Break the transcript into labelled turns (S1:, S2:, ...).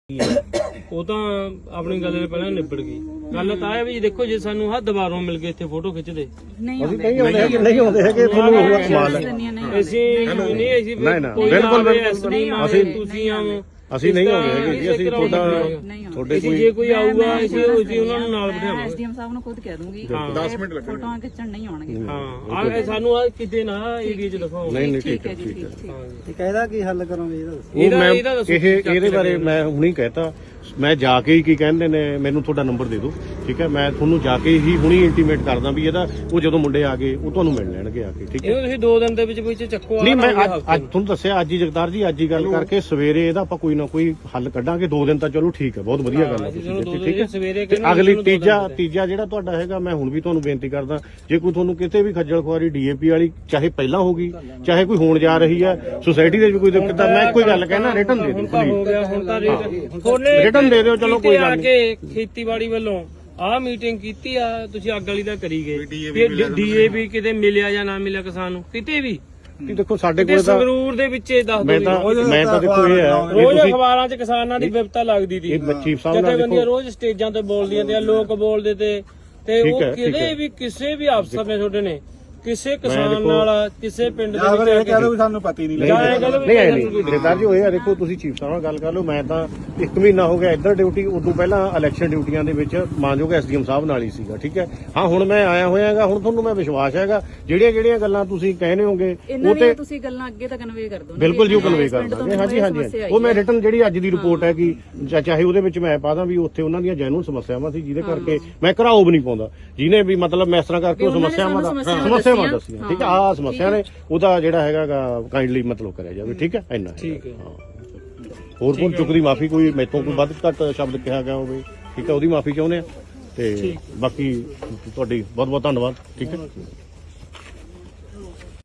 S1: ਉਹ ਤਾਂ ਆਪਣੀ ਗੱਲ ਪਹਿਲਾਂ ਨਿਬੜ ਗਈ। ਗੱਲ ਤਾਂ ਇਹ ਵੀ ਦੇਖੋ ਜੇ ਸਾਨੂੰ ਹੱਥ ਦੁਬਾਰੋਂ ਮਿਲ ਗਏ ਇੱਥੇ ਫੋਟੋ ਖਿੱਚਦੇ
S2: ਨਹੀਂ ਆਉਂਦੇ ਹੈਗੇ ਤੁਹਾਨੂੰ ਹੋਊਗਾ ਕਮਾਲ ਹੈ।
S1: ਅਸੀਂ ਨਹੀਂ
S2: ਬਿਲਕੁਲ
S1: ਅਸੀਂ ਤੁਸੀਂ ਆਵੋ
S2: ਅਸੀਂ ਨਹੀਂ ਆਉਂਦੇ ਹੈਗੇ ਜੀ। ਅਸੀਂ ਤੁਹਾਡੇ
S1: ਕੋਈ ਜੇ ਕੋਈ ਆਊਗਾ ਅਸੀਂ ਉਹਨਾਂ ਨੂੰ ਨਾਲ ਬਿਠਾਵਾਂਗੇ।
S3: ਐਸਡੀਐਮ ਸਾਹਿਬ ਨੂੰ ਖੁਦ ਕਹਿ ਦੂੰਗੀ
S2: 10 ਮਿੰਟ ਲੱਗਣਗੇ
S3: ਫੋਟੋਆਂ ਖਿੱਚਣ ਨਹੀਂ ਆਉਣਗੇ।
S1: ਹਾਂ ਆ ਸਾਨੂੰ ਆ ਕਿਤੇ ਨਾ ਏਰੀਆ 'ਚ ਦਿਖਾਓ।
S2: ਨਹੀਂ ਠੀਕ ਹੈ
S4: ਠੀਕ ਹੈ। ਇਹਦਾ ਕੀ ਹੱਲ ਕਰੋਗੇ ਇਹਦਾ?
S2: ਇਹਦੇ ਬਾਰੇ ਮੈਂ ਹੁਣੀ ਕਹਿਤਾ। ਮੈਂ ਜਾ ਕੇ ਹੀ ਕੀ ਕਹਿੰਦੇ ਨੇ ਮੈਨੂੰ ਤੁਹਾਡਾ ਨੰਬਰ ਦੇ ਦਿਓ, ਠੀਕ ਹੈ। ਮੈਂ ਤੁਹਾਨੂੰ ਜਾ ਕੇ ਹੀ ਹੁਣੀ ਇੰਟੀਮੇਟ ਕਰਦਾ ਵੀ ਇਹਦਾ ਉਹ ਜਦੋਂ ਮੁੰਡੇ ਆ ਗਏ ਉਹ ਤੁਹਾਨੂੰ ਮਿਲ ਲੈਣਗੇ ਆ ਕੇ, ਠੀਕ ਹੈ।
S1: ਇਹ ਤੁਸੀਂ 2 ਦਿਨ ਦੇ ਵਿੱਚ ਚੱਕੋ।
S2: ਨਹੀਂ ਮੈਂ ਅੱਜ ਤੁਹਾਨੂੰ ਦੱਸਿਆ ਅੱਜ ਹੀ ਜਗਤਾਰ ਜੀ ਅੱਜ ਹੀ ਗੱਲ ਕਰਕੇ ਸਵੇਰੇ ਇਹਦਾ ਆਪਾਂ ਕੋਈ ਨਾ ਕੋਈ ਹੱਲ ਕੱਢਾਂਗੇ। 2 ਦਿਨ ਤਾਂ ਚਲੋ ਠੀਕ ਹੈ, ਬਹੁਤ ਵਧੀਆ ਗੱਲ ਹੈ, ਠੀਕ ਹੈ। ਅਗਲੀ ਤੀਜਾ ਜਿਹੜਾ ਤੁਹਾਡਾ ਹੈਗਾ ਮੈਂ ਹੁਣ ਵੀ ਤੁਹਾਨੂੰ ਬੇਨਤੀ ਕਰਦਾ ਜੇ ਕੋਈ ਤੁਹਾਨੂੰ ਕਿਤੇ ਵੀ ਖੱਜਲ ਖੁਆਰੀ ਡੀਏਪੀ ਵਾਲੀ ਚਾਹੇ ਪਹਿਲਾਂ ਹੋਗੀ ਚਾਹੇ ਕੋਈ ਹੋਣ ਜਾ ਰਹੀ ਹੈ ਸੋਸਾਇਟੀ ਦੇ ਵਿੱਚ ਕੋਈ ਦਿੱਕਤ ਹੈ ਮੈਂ ਕੋਈ ਗੱਲ ਕਹਿਣਾ ਰਿਟਨ ਦੇ ਦਿਓ
S1: ਹੋ ਗਿਆ ਹੁਣ ਤਾਂ
S2: ਰਿਟਨ ਦੇ ਦਿਓ। ਚਲੋ ਕੋਈ ਗੱਲ
S1: ਨਹੀਂ। ਖੇਤੀਬਾੜੀ ਵੱਲੋਂ ਆਹ ਮੀਟਿੰਗ ਕੀਤੀ ਆ ਤੁਸੀਂ ਅੱਗ ਵਾਲੀ ਦਾ ਕਰੀ ਗਏ। ਡੀਏਪੀ ਕਿਤੇ ਮਿਲਿਆ ਜਾਂ ਨਾ ਮਿਲਿਆ ਕਿਸਾਨ ਨੂੰ ਕਿਤੇ ਵੀ
S2: ਦੇਖੋ ਸਾਡੇ ਕੋਲ ਤਾਂ
S1: ਸੰਗਰੂਰ ਦੇ ਵਿੱਚ ਦੱਸ ਦੋ।
S2: ਮੈਂ ਤਾਂ ਦੇਖੋ ਇਹ ਹੈ
S1: ਰੋਜ਼ ਅਖਬਾਰਾਂ 'ਚ ਕਿਸਾਨਾਂ ਦੀ ਵਿਪਤਾ ਲੱਗਦੀ ਸੀ।
S2: ਇਹ ਚੀਫ ਸਾਹਿਬ ਨਾਲ
S1: ਜਥੇਬੰਦੀਆਂ ਰੋਜ਼ ਸਟੇਜਾਂ ਤੇ ਬੋਲਦੀਆਂ ਤੇ ਲੋਕ ਬੋਲਦੇ ਤੇ ਉਹ ਕਿਤੇ ਵੀ ਕਿਸੇ ਵੀ ਅਫਸਰ ਨੇ ਤੁਹਾਡੇ ਨੇ ਕਿਸੇ ਕਿਸਾਨ ਨਾਲ ਕਿਸੇ ਪਿੰਡ ਦੇ ਵਿੱਚ
S4: ਇਹ ਕਹਿ ਦੋ ਵੀ ਸਾਨੂੰ ਪਤਾ ਹੀ ਨਹੀਂ ਲੱਗਿਆ।
S2: ਨਹੀਂ ਜਗਤਾਰ ਜੀ ਹੋਏ ਆ ਦੇਖੋ ਤੁਸੀਂ ਚੀਫ ਸਾਹਿਬ ਨਾਲ ਗੱਲ ਕਰ ਲਓ। ਮੈਂ ਤਾਂ 1 ਮਹੀਨਾ ਹੋ ਗਿਆ ਇੱਧਰ ਡਿਊਟੀ ਉਦੋਂ ਪਹਿਲਾਂ ਇਲੈਕਸ਼ਨ ਡਿਊਟੀਆਂ ਦੇ ਵਿੱਚ ਮਾਨਯੋਗ ਐਸਡੀਐਮ ਸਾਹਿਬ ਨਾਲ ਹੀ ਸੀਗਾ, ਠੀਕ ਹੈ। ਹਾਂ ਹੁਣ ਮੈਂ ਆਇਆ ਹੋਇਆਗਾ ਹੁਣ ਤੁਹਾਨੂੰ ਮੈਂ ਵਿਸ਼ਵਾਸ ਹੈਗਾ ਜਿਹੜੀਆਂ ਗੱਲਾਂ ਤੁਸੀਂ ਕਹਿੰਦੇ ਹੋਗੇ ਉਹ ਤੇ
S3: ਤੁਸੀਂ ਗੱਲਾਂ ਅੱਗੇ ਤਾਂ ਕਨਵੇ ਕਰ ਦੋ।
S2: ਬਿਲਕੁਲ ਜੀ ਉਹ ਕਨਵੇ ਕਰ ਦਾਂਗੇ। ਹਾਂਜੀ ਉਹ ਮੈਂ ਰਿਟਨ ਜਿਹੜੀ ਅੱਜ ਦੀ ਰਿਪੋਰਟ ਹੈ ਕਿ ਚਾਹੇ ਉਹਦੇ ਵਿੱਚ ਮੈਂ ਪਾ ਦਾਂ ਵੀ ਉੱਥੇ ਉਹਨਾਂ ਦੀਆਂ ਜੈਨੂਨ ਸਮੱਸਿਆਵਾਂ ਸੀ ਜਿਹਦੇ ਕਰਕੇ ਮੈਂ ਘਰਾਓ ਵੀ ਨਹੀਂ ਪਾਉਂਦਾ ਜਿਹਨੇ ਵੀ ਮਤਲਬ ਮੈਂ ਇਸ ਤਰ੍ਹਾਂ ਕਰਕੇ ਉਹ ਸਮੱਸਿਆਵਾਂ ਦੱਸੀਆਂ, ਠੀਕ ਹੈ। ਆਹ ਸਮੱਸਿਆ ਨੇ ਉਹਦਾ ਜਿਹੜਾ ਹੈਗਾ ਕਾਈਂਡਲੀ ਮਤਲਬ ਕਰਿਆ ਜਾਵੇ, ਠੀਕ ਹੈ। ਇੰਨਾ ਠੀਕ ਹੈ। ਹੋਰ ਕੋਈ ਚੁੱਕ ਦੀ ਮਾਫੀ ਕੋਈ ਮੈਥੋਂ ਕੋਈ ਵੱਧ ਘੱਟ ਸ਼ਬਦ ਕਿਹਾ ਗਿਆ ਹੋਵੇ, ਠੀਕ ਹੈ, ਉਹਦੀ ਮਾਫੀ ਚਾਹੁੰਦੇ ਆ ਤੇ ਬਾਕੀ ਤੁਹਾਡੀ ਬਹੁਤ ਬਹੁਤ ਧੰਨਵਾਦ, ਠੀਕ ਹੈ।